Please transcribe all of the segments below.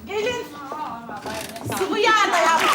Gelin. Sıvı yağla yaptık.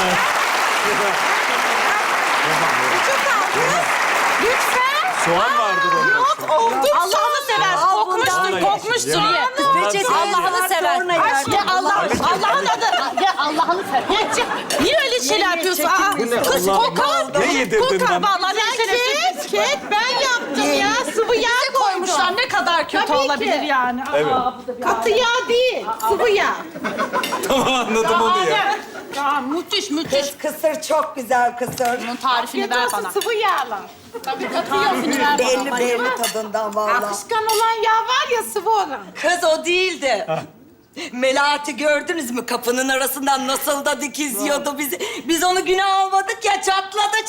Küçük kaldı. Lütfen. Soğan vardır onda. Yok oldu. Allah'ını seversin. Kokmuştur, kokmuştur ye. Allah'ını seversin. Ya Allah'ın adı. Ya Allah'ını seversin. Niye öyle şeyler yapıyorsun? Aa, Bu ne? kız Allah'ım. kokar. Ne yedirdin Kokar. bana? Vallahi ne Kek ben yaptım ya. Sıvı yağ koymuşlar. Ne kadar kötü Tabii ki. olabilir yani. Aa, Evet. bu da bir Katı yağ değil, sıvı yağ. Tamam anladım onu ya. Ya müthiş, müthiş. Kısır çok güzel kısır. Bunun tarifini ver bana. Sıvı yağla. Tabii tarifini ver Belli bana. belli tadından vallahi. Akışkan olan yağ var ya, sıvı olan. Kız o değildi. Melahat'i gördünüz mü? Kapının arasından nasıl da dikizliyordu bizi. Biz onu güne almadık ya, çatladı.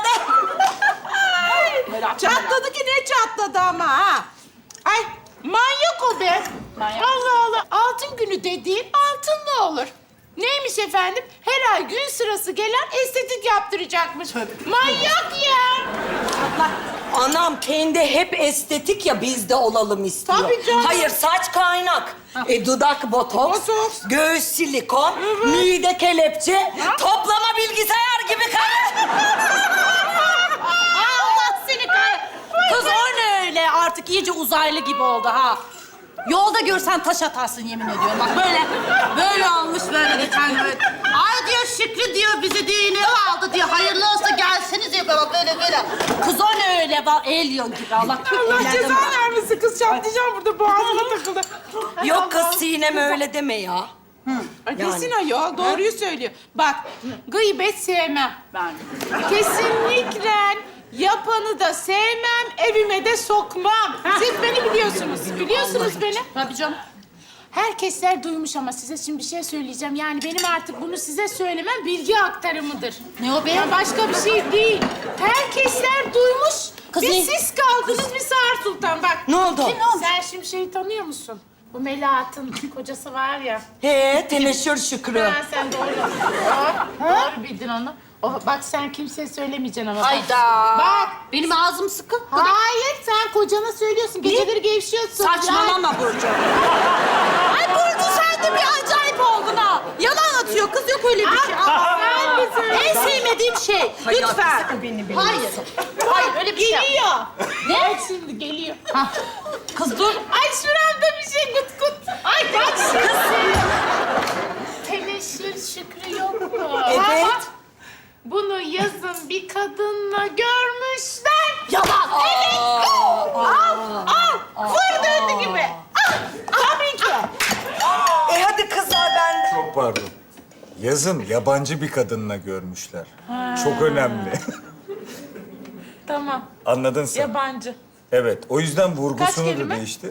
Çatladı ki ne çatladı ama ha. Ay manyak o be. Manyak. Allah Allah. Altın günü dediğin altınlı olur. Neymiş efendim? Her ay gün sırası gelen estetik yaptıracakmış. Manyak ya. Anam kendi hep estetik ya, biz de olalım istiyor. Tabii canım. Hayır, saç kaynak. Dudak botoks, Botoks. göğüs silikon, mide kelepçe, toplama bilgisayar gibi karı. Allah seni Kız o ne öyle? Artık iyice uzaylı gibi oldu ha. Yolda görsen taş atarsın yemin ediyorum. Bak böyle olmuş böyle geçen gün. Ay diyor Şükrü diyor bizi diyor iğne aldı diyor. Hayırlı olsa gelseniz diyor böyle. Kız o ne öyle? Bak el yok gibi. Allah Allah ceza vermesin kız. Çatlayacağım burada, boğazıma takıldı. Yok kız Sinem öyle deme ya. Ay kesin ayol, doğruyu söylüyor. Bak, gıybet sevmem ben. Kesinlikle yapanı da sevmem, evime de sokmam. Siz beni biliyorsunuz, biliyorsunuz beni. Tabii canım. Herkesler duymuş ama size şimdi bir şey söyleyeceğim. Yani benim artık bunu size söylemem bilgi aktarımıdır. Ne o be? Ya başka bir şey değil. Herkesler duymuş. Kız bir ne? siz kaldınız, bir Sağır Sultan. Bak. Ne oldu? Sen şimdi şeyi tanıyor musun? Bu Melahat'ın kocası var ya. Teneşür Şükrü. Ha, sen doğru. Doğru bildin onu. Bak sen kimseye söylemeyeceksin ama. bak. Hayda. Bak. Benim ağzım sıkı. Hayır, sen kocana söylüyorsun. Geceleri gevşiyorsun. Saçmalama Burcu. Ay Burcu sen de bir acayip oldun ha. Yalan atıyor kız yok öyle bir şey. Sen de söyle. En sevmediğim şey. Lütfen. Hayır. Hayır öyle bir şey yap. Geliyor. Ne? Bak şimdi geliyor. Ha. Kız dur. Ay şuramda bir şey gut gut. Ay bak şimdi. Teneşir Şükrü yok mu? Evet. Bunu yazın bir kadınla görmüşler. Yalan. Evet. Al. Fır döndü gibi. Tabii ki. Hadi kızlar ben de. Çok pardon. Yazın yabancı bir kadınla görmüşler. Çok önemli. Tamam. Anladın sen. Yabancı. Evet, o yüzden vurgusunu Kaç da kelime? değiştir.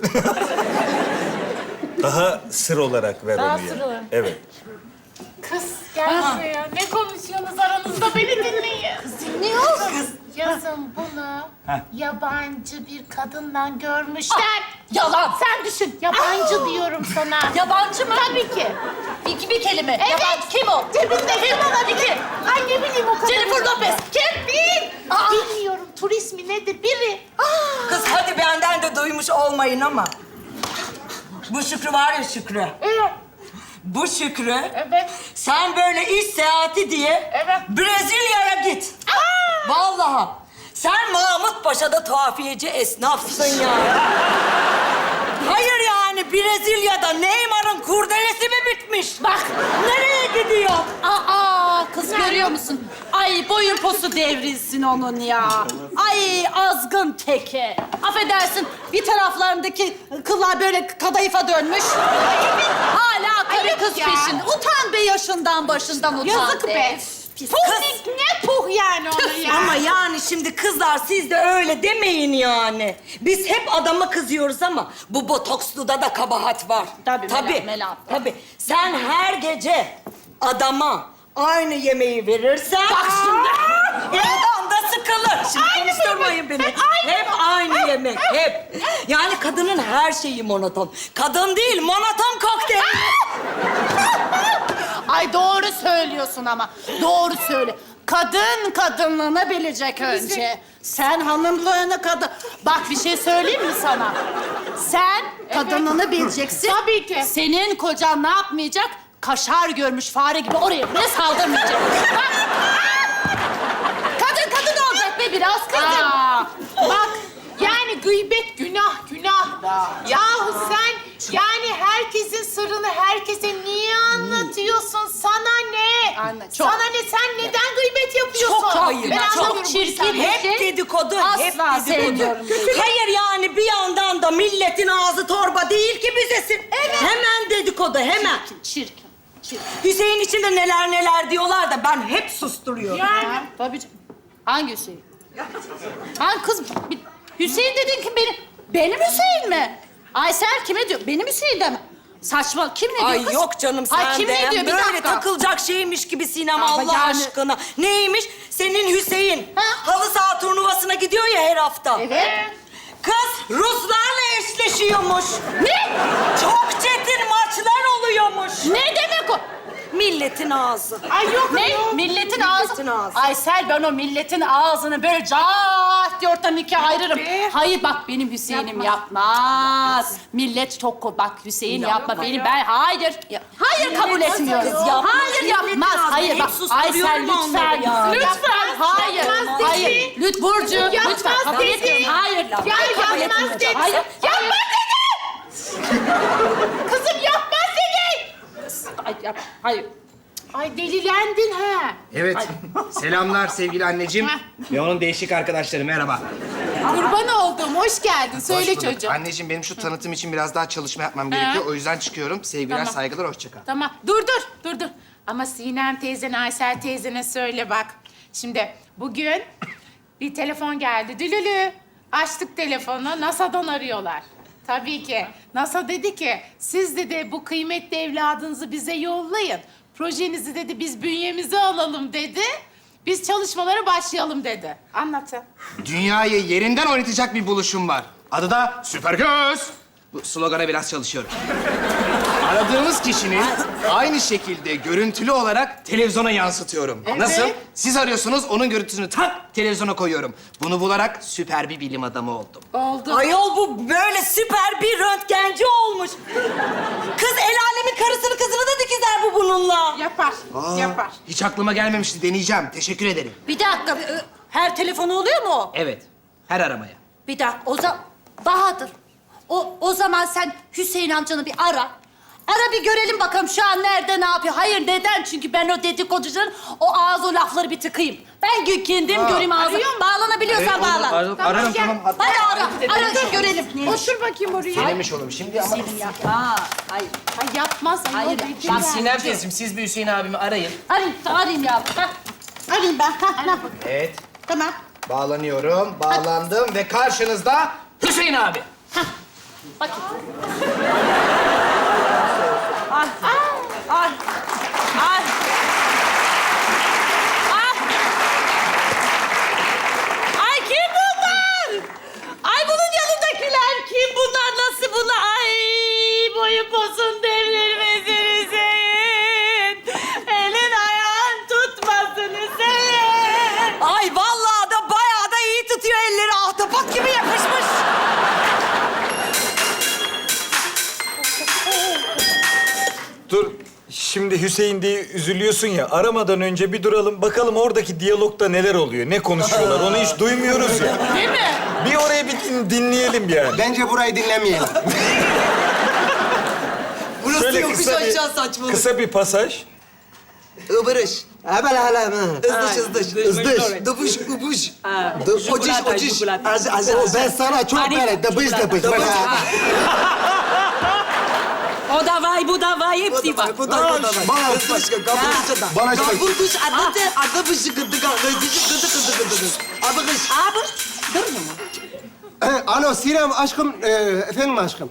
Daha sır olarak ver Daha onu ya. sır olarak. Evet. Kız gel buraya. Ne konuşuyorsunuz aranızda, beni dinleyin. Kız dinliyoruz. Yazın bunu yabancı bir kadınla görmüşler. Yalan. Sen düşün. Yabancı diyorum sana. Yabancı mı? Tabii ki. Bir kelime. Evet. Yabancı kim o? Cebinde kim olabilir? Ay ne bileyim o kadar. Jennifer Lopez. Kim? Değil. Bilmiyorum. Turist mi nedir? Biri. Kız hadi benden de duymuş olmayın ama. Bu Şükrü var ya Şükrü. Evet. Bu Şükrü. Evet. Sen böyle iş seyahati diye Evet. Brezilya'ya git. Vallahi. Sen Mahmut Paşa'da tuhafiyeci esnafsın ya. Hayır yani Brezilya'da Neymar'ın kurdelesi mi bitmiş? Bak nereye gidiyor? Aa kız görüyor musun? Ay boyun posu devrilsin onun ya. Ay azgın teke. Affedersin bir taraflarındaki kıllar böyle kadayıfa dönmüş. Hala karı Ayıp kız ya. peşinde. Utan be yaşından başından utan. Yazık be. Pis Puh kız. ne puh yani ona ya. Ama yani şimdi kızlar siz de öyle demeyin yani. Biz hep adama kızıyoruz ama bu botoksluda da kabahat var. Tabii, Melahat. Tabii. Sen her gece adama aynı yemeği verirsen... Bak şimdi. Adam da sıkılır. Şimdi Aynı konuşturmayın yemek. beni. Hep aynı yemek, hep. Yani kadının her şeyi monoton. Kadın değil, monoton kokteyl. Ay doğru söylüyorsun ama. Doğru söyle. Kadın kadınlığını bilecek önce. Sen hanımlığını kadın... Bak bir şey söyleyeyim mi sana? Sen kadınlığını bileceksin. Tabii ki. Senin kocan ne yapmayacak? Kaşar görmüş fare gibi oraya buraya saldırmayacak. Bak. Kadın olacak be biraz kızım. Bak yani gıybet günah. Yahu sen yani herkesin sırrını herkese niye anlatıyorsun? Sana ne? Çok. Sana ne? Sen neden gıybet yapıyorsun? Çok hayır, Ben çok anlamıyorum bu çirkin. insanları. Hep dedikodu, hep Asla dedikodu. sevmiyorum. Hayır yani bir yandan da milletin ağzı torba değil ki bizesin. Evet. Hemen dedikodu, hemen. Çirkin. Hüseyin için de neler diyorlar da ben hep susturuyorum. Yani Tabii canım. Hangi Hüseyin? Hangi kız? Hüseyin dedin ki benim Hüseyin mi? Aysel kime diyor? Benim Hüseyin de mi? Saçma. Kim ne diyor Ay kız? yok canım sen Ay, kim de. ne diyor? Bir Böyle dakika. takılacak şeymiş gibi Sinem Ama Allah yani- aşkına. Neymiş? Senin Hüseyin Ha? halı saha turnuvasına gidiyor ya her hafta. Evet. Kız Ruslarla eşleşiyormuş. Ne? Çok çetin maçlar oluyormuş. Ne demek o? Milletin ağzı. ay yok Ne? yok. Milletin ağzı. Milletin ağzı. Aysel ben o milletin ağzını böyle cah diye ortadan ikiye ayırırım. Be. Hayır bak benim Hüseyin'im yapmaz. Millet çok bak Hüseyin yapma benim hayır. Hayır kabul etmiyorum. kız, yapmaz. Hayır Milletin yapmaz. ağzını Hayır hep bak susturuyorum Aysel lütfen. onları ya. Lütfen hayır. yapmaz dedi. Hayır. Lütfen Burcu Yapmaz lütfen kabul dedi. etmiyorum. Hayır. Ya Hayır, kabul yapmaz etmiyorum. dedi. Hayır. Yapmaz dedi. Kızım yapmaz dedi. Hayır. Ay delilendin ha. Evet. Selamlar sevgili anneciğim. Ve onun değişik arkadaşları. Merhaba. Kurban oldum. Hoş geldin. Söyle Hoş bulduk. çocuğum. Anneciğim benim şu tanıtım için biraz daha çalışma yapmam gerekiyor. O yüzden çıkıyorum. Sevgiler, Tamam. saygılar, hoşça kal. Tamam. Dur. Ama Sinem teyzene, Aysel teyzene söyle bak. Şimdi bugün bir telefon geldi. Dülülü. Açtık telefonu. NASA'dan arıyorlar. Tabii ki. NASA dedi ki siz dedi bu kıymetli evladınızı bize yollayın. Projenizi dedi biz bünyemize alalım dedi. Biz çalışmalara başlayalım dedi. Anlatın. Dünyayı yerinden oynatacak bir buluşum var. Adı da Süper Göz. Bu slogana biraz çalışıyorum. Aradığımız kişinin aynı şekilde görüntülü olarak televizyona yansıtıyorum. Evet. Nasıl? Siz arıyorsunuz, onun görüntüsünü tak televizyona koyuyorum. Bunu bularak süper bir bilim adamı oldum. Oldu. Ayol bu böyle süper bir röntgenci olmuş. Kız el alemin karısını kızını da dikizler bu bununla. Yapar. Hiç aklıma gelmemişti. Deneyeceğim. Teşekkür ederim. Bir dakika. Her telefonu oluyor mu o? Evet. Her aramaya. Bir dakika. O zaman Bahadır. O zaman sen Hüseyin amcanı bir ara. Ara bir görelim bakalım şu an nerede ne yapıyor. Hayır neden? Çünkü ben o dedikoducuların o ağız o lafları bir tıkayım. Ben kendim göreyim ağzını. Arıyor mu? Bağlanabiliyorsan bağlan. Ararım gel. tamam. Hatta Hadi ara görelim. Otur bakayım oraya. denemiş olalım şimdi ama... Hayır. Ay yapmaz. Ay, Hayır, o şimdi Sinem teyzeciğim, siz bir Hüseyin abimi arayın. Arayayım ya. Arayayım ben. Evet. Tamam. Bağlanıyorum. Bağlandım ve karşınızda... Hüseyin abi. Bakayım. Ay. Ay. Ay kim bunlar? Ay bunun yanındakiler kim bunlar? Nasıl bunlar? Ay boyun posun devrilmesin Hüseyin. Elin ayağın tutmasın Hüseyin. Ay vallahi da bayağı da iyi tutuyor elleri. Ahtapot gibi yapışmış. Dur. Şimdi Hüseyin diye üzülüyorsun ya. Aramadan önce bir duralım. Bakalım oradaki diyalogda neler oluyor, ne konuşuyorlar. Onu hiç duymuyoruz ya. Değil mi? Bir oraya bir dinleyelim yani. Bence burayı dinlemeyelim. Burası Şöyle yokuş aşağı saçmalık. kısa bir pasaj. Ibırış. Hemen hala mı? Izdış. Dıbış ubuş. Ociş. Ben sana çok böyle dıbış. O da vay bu da vay hepsi var. Bu da. Bana Gabırgış adı bışı gıdı. Adıgış. Abi dur mu? Alo Sinem aşkım. Efendim aşkım.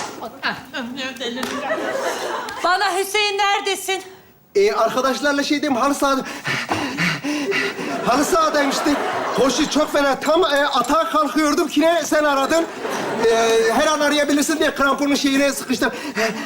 Bana Hüseyin neredesin? Arkadaşlarla şeydeyim halı sahada. Halı sahadayım işte. Koşu çok fena. Tam atağa kalkıyordum ki ne sen aradın. Her an arayabilirsin diye kramponun şeyine sıkıştım.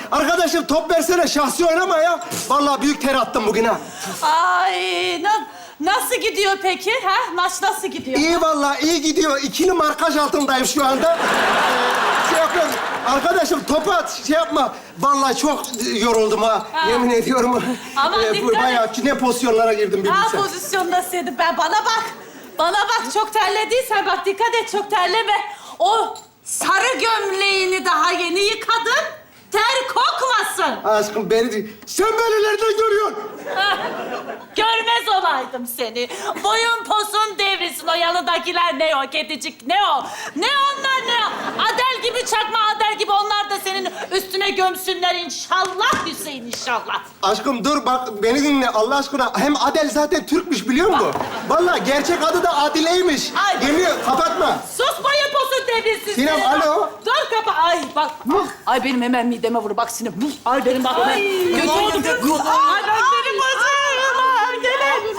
Arkadaşım top versene şahsi oynama ya. Vallahi büyük ter attım bugün ha. Ay Nasıl gidiyor peki? Ha? Maç nasıl gidiyor? İyi vallahi iyi gidiyor. İkili markaj altındayım şu anda. Şey yapıyorum. Arkadaşım topu at, şey yapma. Vallahi çok yoruldum ha. Yemin ediyorum. Aman dikkat et. Bayağı ne pozisyonlara girdim bir Ha bilsen. pozisyondasıydım ben. Bana bak. Bana bak çok terlediysen bak dikkat et çok terleme. O sarı gömleğini daha yeni yıkadın. Ter kokmasın. Aşkım beni değil. Sen beni nereden görüyorsun? Hah, görmez olaydım seni. Boyun posun devrilsin o yanındakiler ne o kedicik ne o? Ne onlar ne o? Adel gibi çakma Adel gibi onlar da senin üstüne gömsünler inşallah Hüseyin inşallah. Aşkım dur bak beni dinle Allah aşkına. Hem Adel zaten Türkmüş biliyor musun? Vallahi gerçek adı da Adile'ymiş. Ay. Yemin kapatma. Sus boyun posun devrilsin. Sinem, senin. alo. Dur kapa. Ay bak. Ay benim hemen mideme vur. Bak Sinem. Ay benim bak. Ay. Götürdüm. Ay ben benim başım. Gene.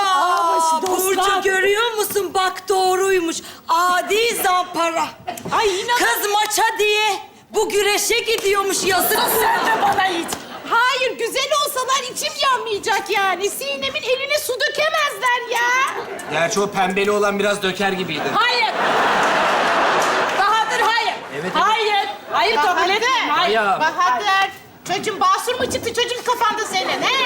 Burcu görüyor musun? Bak doğruymuş. Adi zampara. Ay inan. Kız maça diye bu güreşe gidiyormuş yazık. Sen de bana hiç. Hayır, güzel olsalar içim yanmayacak yani. Sinem'in eline su dökemezler ya. Gerçi o pembeli olan biraz döker gibiydi. Hayır. Bahadır hayır. Evet. Hayır. Hayır kabul Bahadır. etmiyorum. Hayır. Ya. Bahadır. Çocuğun basur mu çıktı çocuğun kafanda senin he?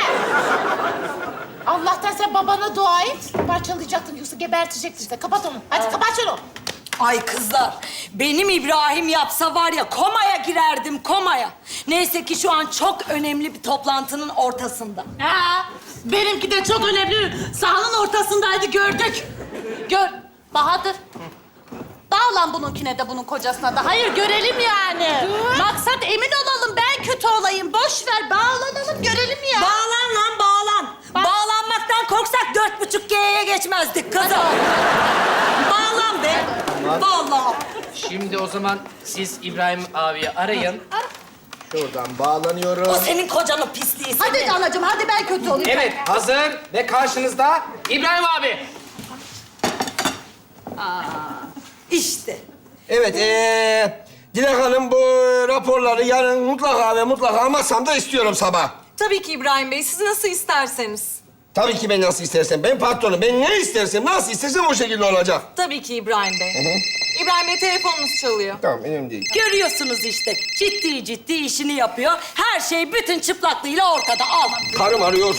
Allah'tan sen babana dua et. Parçalayacaktın yoksa gebertecektin işte. Kapat onu. Hadi kapat şunu. Ay kızlar, benim İbrahim yapsa var ya komaya girerdim, komaya. Neyse ki şu an çok önemli bir toplantının ortasında. Ha, benimki de çok önemli. Sahanın ortasındaydı gördük. Bahadır. Bağlan bununkine de bunun kocasına da. Hayır görelim yani. Maksat emin olalım ben kötü olayım. Boş ver bağlanalım görelim ya. Bağlan lan, bağlan. Bağlanmaktan korksak 4,5G'ye geçmezdik kızım. Bağlan be. Vallahi. Şimdi o zaman siz İbrahim abiyi arayın. Şuradan O bağlanıyorum. senin kocanın pisliği senin. Hadi anacığım hadi ben kötü olayım. Evet, hazır ve karşınızda İbrahim abi. İşte. Evet, Dilek Hanım bu raporları yarın mutlaka ve mutlaka masamda istiyorum sabah. Tabii ki İbrahim Bey, siz nasıl isterseniz. Tabii ki ben nasıl istersem. Ben patronum. Ben ne istersem, nasıl istersem o şekilde olacak. Tabii ki İbrahim Bey. İbrahim Bey telefonunuz çalıyor. Tamam, önemli değil. Görüyorsunuz işte. Ciddi ciddi işini yapıyor. Her şey bütün çıplaklığıyla ortada. Al. Karım arıyor.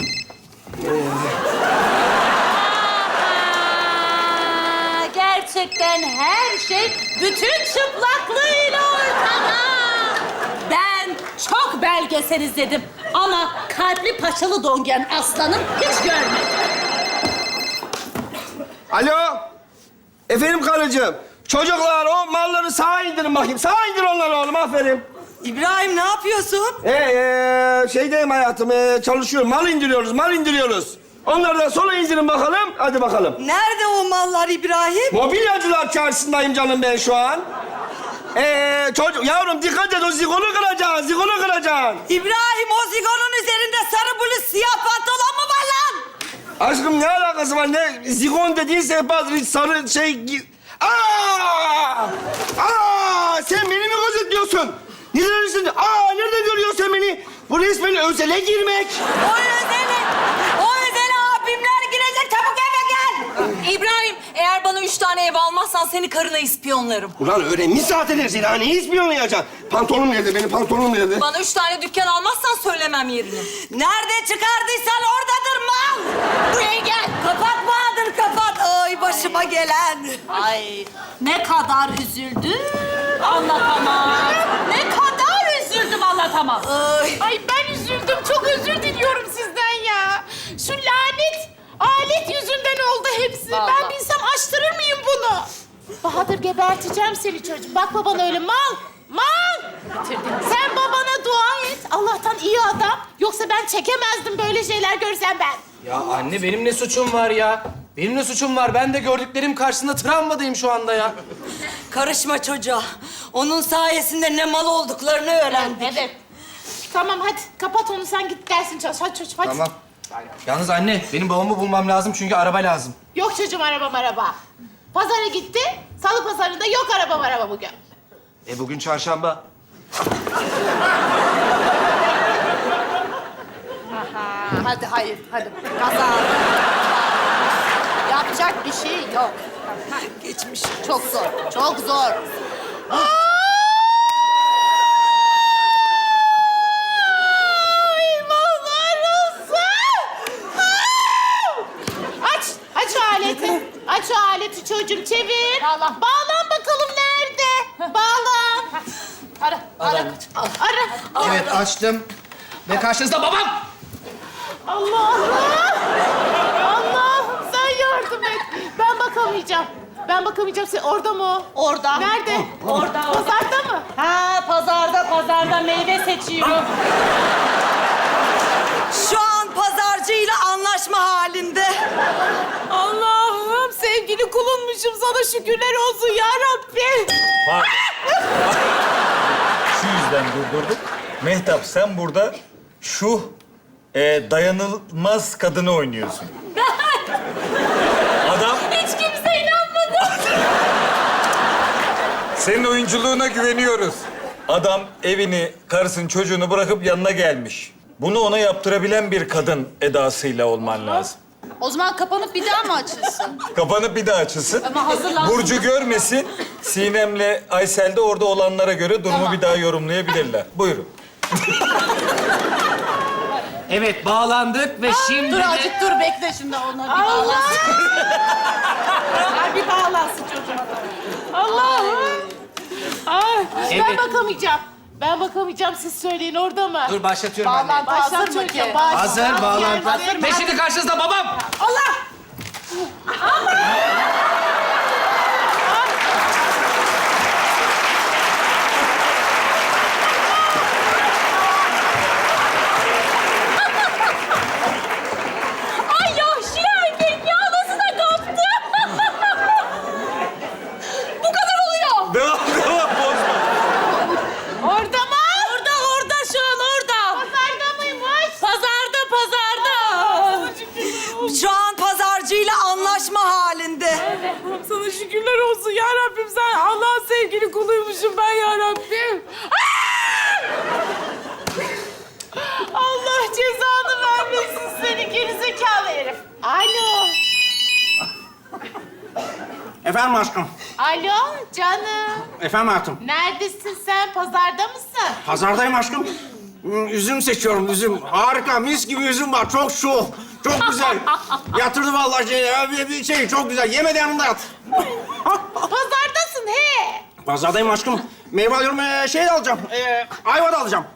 Aa, gerçekten her şey bütün çıplaklığıyla ortada. Ben çok belgesel izledim ama kalpli paçalı dongen aslanım hiç görmedim. Alo. Efendim karıcığım. Çocuklar o malları sağa indirin bakayım. Sağa indir onları oğlum, aferin. İbrahim ne yapıyorsun? Şeydeyim hayatım, çalışıyorum. Mal indiriyoruz. Onları da sola indirin bakalım. Hadi bakalım. Nerede o mallar İbrahim? Mobilyacılar çarşısındayım canım ben şu an. Yavrum dikkat et, o zigonu kıracaksın, İbrahim o zigonun üzerinde sarı bluz siyah pantolon mu var lan? Aşkım ne alakası var? Ne zigon dediğin sehpadır, hiç sarı şey... Sen beni mi gözetliyorsun? Neredesin? Nerede görüyorsun sen beni? Bu resmen özele girmek. O özele abimler girecek. Çabuk eve gel. İbrahim, eğer bana 3 tane ev almazsan seni karına ispiyonlarım. Ulan öğrenmiş zaten her şeyi. Daha neyi ispiyonlayacaksın? Pantolonum nerede? Benim pantolonum nerede? Bana 3 tane dükkan almazsan söylemem yerini. Nerede çıkardıysan oradadır mal. Buraya gel. Kapat Bahadır, kapat. Ay başıma gelen. Ay ne kadar üzüldüm anlatamam. Ne kadar üzüldüm anlatamam. Ay ben üzüldüm. Çok özür diliyorum sizden ya. Şu lanet alet yüzünden oldu hepsi. Vallahi. Ben bilsem açtırır mıyım bunu? Bahadır geberteceğim seni çocuğum. Bakma bana öyle mal. Sen babana dua et. Allah'tan iyi adam. Yoksa ben çekemezdim böyle şeyler görsem ben. Ya anne benim ne suçum var ya? Benim ne suçum var? Ben de gördüklerim karşısında travmadayım şu anda ya. Karışma çocuğa. Onun sayesinde ne mal olduklarını öğrendik. Evet. Tamam hadi kapat onu sen git dersin çalış. Hadi çocuğum hadi. Tamam. Yalnız anne, benim babamı bulmam lazım çünkü araba lazım. Yok çocuğum araba. Pazara gitti. Salı pazarında yok araba bugün. Bugün çarşamba. Hadi hayır hadi. Kaza. Yapacak bir şey yok. Geçmiş. Çok zor, çok zor. Aç o aleti. Aç o aleti çocuğum, çevir. Bağlan bakalım nerede? Bağlan. Ara. Evet açtım. Ve karşınızda babam. Allah'ım sen yardım et. Ben bakamayacağım. Sen orada mı o? Orada. Nerede? Orada. Pazarda mı? Ha, pazarda meyve seçiyor. Şu an pazarcıyla anlaşma halinde. Allah'ım sevgili kulunmuşum, sana şükürler olsun ya Rabbi. Pardon. Şu yüzden durdurduk. Mehtap sen burada şu dayanılmaz kadını oynuyorsun. Adam... Hiç kimse inanmadı. Senin oyunculuğuna güveniyoruz. Adam evini, karısını, çocuğunu bırakıp yanına gelmiş. Bunu ona yaptırabilen bir kadın edasıyla olman lazım. O zaman kapanıp bir daha mı açılsın? Kapanıp bir daha açılsın. Ama hazırlansın. Burcu görmesin. Sinem'le Aysel de orada olanlara göre durumu bir daha yorumlayabilirler. Buyurun. Evet bağlandık ve şimdi Dur de... azıcık dur bekle şimdi onlar bir bağlansın. Bir bağlansın çocuğum. Allah'ım. Ay, Evet. Ben bakamayacağım. Siz söyleyin, orada mı? Dur başlatıyorum anne. Bağlantı hazır mı çocuğum, ki? başla. Hazır bağlantı. Hazır. Ve şimdi karşınızda babam. Ay yahşi erkek ya nasıl da kaptı? Bu kadar oluyor. Devam, bozma. Orada mı? Orada şu an orada. Pazarda mıymış? Pazarda. Şu an pazarcıyla anlaşma halinde. Sana şükürler olsun ya Rabbim. Sen Allah'ın sevgili kuluymuşum ben ya Rabbim. Allah cezanı vermesin seni gerizekalı herif. Alo. Efendim aşkım. Alo canım. Efendim hayatım. Neredesin sen? Pazarda mısın? Pazardayım aşkım. Üzüm seçiyorum, üzüm. Harika, mis gibi üzüm var. Çok şu, çok güzel. Yatırdı vallahi şey çok güzel. Yemedi yanında yat. Pazardasın he. Pazardayım aşkım. Meyve alıyorum, şey de alacağım. Ayva da alacağım.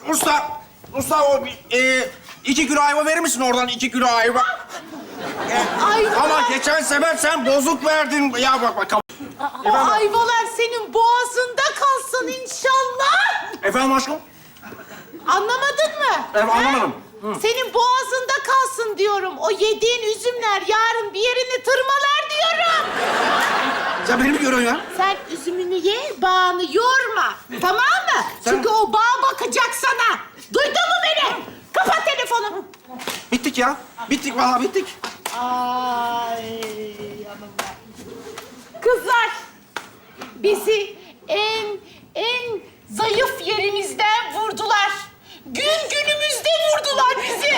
Usta o 2 kilo ayva verir misin oradan 2 kilo ayva? Ayva. Ama geçen sefer sen bozuk verdin. Ya bak. O ayvalar senin boğazında kalsın inşallah. Efendim aşkım? Anlamadın mı? Evet, anlamadım. Senin boğazında kalsın diyorum. O yediğin üzümler yarın bir yerini tırmalar diyorum. Sen beni mi görüyorsun ya? Sen üzümünü ye, bağını yorma. Tamam mı? Çünkü o bağ bakacak sana. Duydun mu beni? Kapat telefonu. Bittik ya. Bittik vallahi bittik. Ay yanımda. Kızlar, bizi en zayıf yerimizden vurdular. Günümüzde vurdular bizi.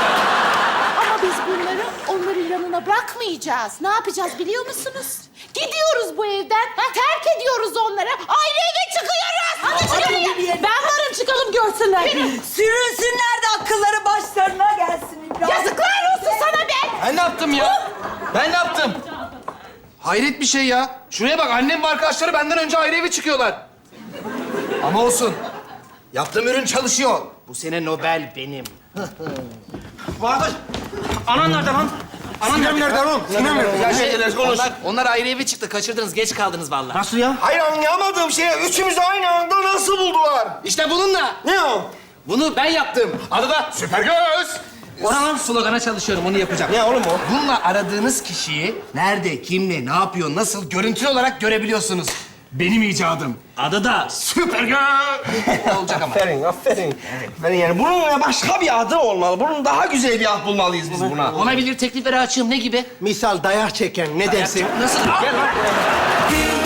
Ama biz onların yanına bırakmayacağız. Ne yapacağız biliyor musunuz? Gidiyoruz bu evden, terk ediyoruz onları. Ayrı eve çıkıyoruz. Hadi çıkalım. Ben varım, çıkalım görsünler. Sürünsünler de akılları başlarına gelsin İbrahim. Yazıklar olsun sana be. Ben ne yaptım ya? Ben ne yaptım? Hayret bir şey ya. Şuraya bak annem ve arkadaşları benden önce ayrı eve çıkıyorlar. Ama olsun. Yaptığım ürün çalışıyor. Bu sene Nobel benim. Bahadır. Anan nerede lan? Sinem nerede lan? Sinem nerede? Onlar ayrı eve çıktı. Kaçırdınız. Geç kaldınız vallahi. Nasıl ya? Hayır anlayamadığım şey üçümüzü aynı anda nasıl buldular? İşte bununla. Ne o? Bunu ben yaptım. Adı da Süpergöz. Oranın slogana çalışıyorum. Onu yapacağım. Ne oğlum o? Bununla aradığınız kişiyi nerede, kimle, ne yapıyor, nasıl görüntülü olarak görebiliyorsunuz. Benim icadım. Adı da Süpergöz. Olacak ama. Aferin. Aferin yani bunun başka bir adı olmalı. Bunun daha güzel bir ad bulmalıyız biz buna. Olabilir, teklifleri açığım. Ne gibi? Misal dayak çeken ne dersin? Nasıl? Gel lan.